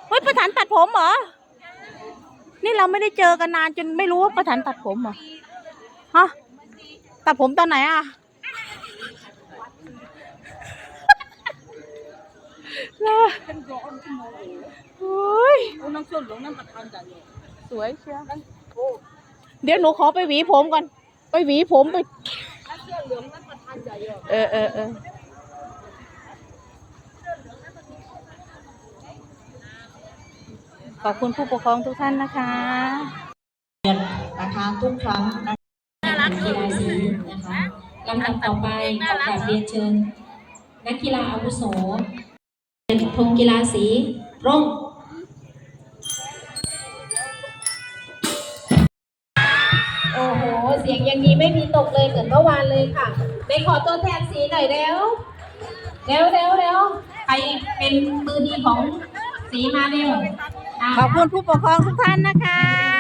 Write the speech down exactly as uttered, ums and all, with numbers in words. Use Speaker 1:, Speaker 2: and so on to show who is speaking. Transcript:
Speaker 1: เฮ้ยประธานตัดผมเหรอนี่เราไม่ได้เจอกันนานจนไม่รู้ว่าประธานตัดผมเหรอฮะตัดผมตอนไหนอ่ะโอ้ยสวยเชียวเดี๋ยวหนูขอไปหวีผมก่อนไปหวีผมไปเออเออเออขอบคุณผู้ปกครองทุกท่านนะคะ
Speaker 2: นะคะทุกครั้งนักกีฬาสีนะคะลำดับต่อไปขอกราบเรียนเชิญนักกีฬาอาวุโสธงกีฬาสีร่มโอ้โหเสียงอย่างนี้ไม่มีตกเลยเหมือนเมื่อวานเลยค่ะไปขอตัวแทนสีหน่อยเร็วเร็วเร็วเร็วใครเป็นมือดีของสีมาเร็ว
Speaker 1: ขอบคุณผู้ปกครองทุกท่านนะคะ